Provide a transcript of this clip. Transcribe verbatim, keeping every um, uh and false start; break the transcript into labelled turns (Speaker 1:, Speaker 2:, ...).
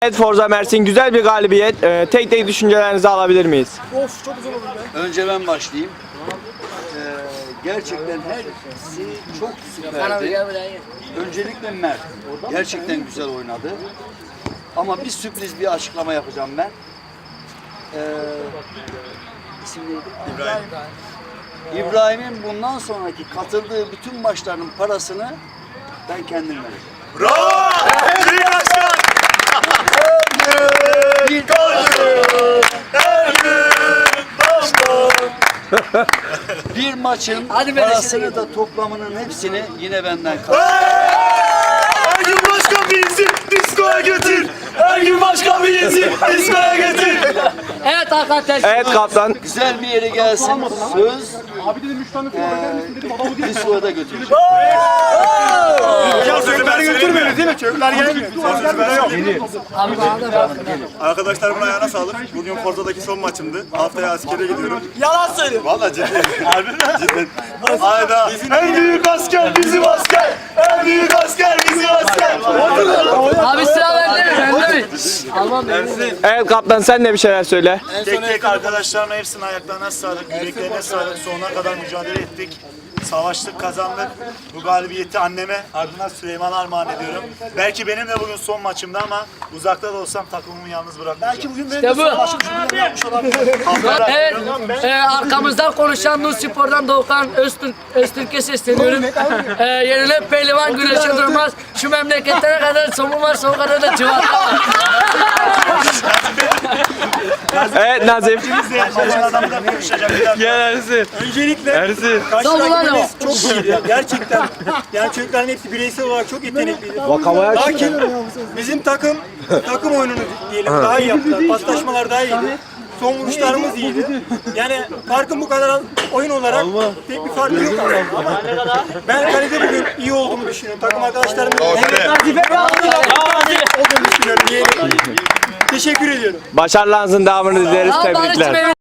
Speaker 1: Evet Forza Mersin güzel bir galibiyet. Ee, tek tek düşüncelerinizi alabilir miyiz?
Speaker 2: Of çok güzel oldu be.
Speaker 3: Önce ben başlayayım. Ee, gerçekten hepsi çok süperdi. Öncelikle Mert. Gerçekten güzel oynadı. Ama bir sürpriz bir açıklama yapacağım ben. Ee, isim neydi? İbrahim. İbrahim'in bundan sonraki katıldığı bütün maçların parasını ben kendim vereceğim.
Speaker 4: Bravo! Büyük başkan!
Speaker 3: Bir Bir maçın parasını da toplamının hepsini yine benden kazandı.
Speaker 4: Her gün başkan bir isim diskoya götür. Her gün başkan bir isim diskoya götür.
Speaker 5: Evet arkadaşlar.
Speaker 1: Evet kaptan.
Speaker 3: Güzel bir yere gelsin. Söz.
Speaker 2: Abi dedim üç tane fuar eder misin dedim adamı değil.
Speaker 3: Diskoya da götüreceğim.
Speaker 4: Ya çocukları götürmüyoruz değil mi? Çocuklar gelmiyor. Yok.
Speaker 5: Abi bana da bak.
Speaker 4: Arkadaşlarımın ayağına sağlık. Bugün Forza'daki son maçımdı. Haftaya askere gidiyorum. Yalan söylüyorum. Valla cidden. Harbi mi? Cidden. Hayda. En büyük asker bizim asker. En büyük asker bizim asker.
Speaker 5: Abi sıra bende mi? Bende mi? Almam beni.
Speaker 1: Evet kaptan sen de bir şeyler söyle.
Speaker 4: Tek tek arkadaşlarıma hepsinin ayaklarına sağlık, yüreklerine sağlık. Sonuna kadar mücadele ettik. Savaştık, kazandık. Bu galibiyeti anneme, ardından Süleyman'a armağan ediyorum. Belki benim de bugün son maçımdı ama uzakta da olsam takımımı yalnız bırakmayacağım. Belki bugün
Speaker 5: İşte bu. Evet, e, arkamızdan konuşan Nur Spor'dan Doğukan Öztürk, Öztürk'e sesleniyorum. E, yenilen pehlivan güneşe durmaz. Şu memleketlere kadar somun var, son kadar da cıvata var.
Speaker 1: Evet Nazif.
Speaker 4: Maçın adamı da konuşacak bir dakika.
Speaker 1: Gel Ersin.
Speaker 2: Öncelikle
Speaker 1: Ersin.
Speaker 2: karşı
Speaker 5: Savunma ne
Speaker 2: rakibimiz çok iyiydi. Gerçekten. Yani çocukların hepsi bireysel olarak çok yetenekliydi.
Speaker 1: Vakamaya
Speaker 2: Lakin bizim takım takım oyununu diyelim daha iyi yaptılar. Paslaşmalar daha iyiydi. Son vuruşlarımız iyiydi. Yani farkın bu kadar az oyun olarak pek bir farkı yok ama ben kalede bugün iyi olduğumu düşünüyorum. Takım arkadaşlarımın olduğunu düşünüyorum. Diyelim. Teşekkür ediyorum.
Speaker 1: Başarılarınızın devamını dileriz.
Speaker 5: Sağ ol,
Speaker 1: Tebrikler.
Speaker 5: Barış'cığım.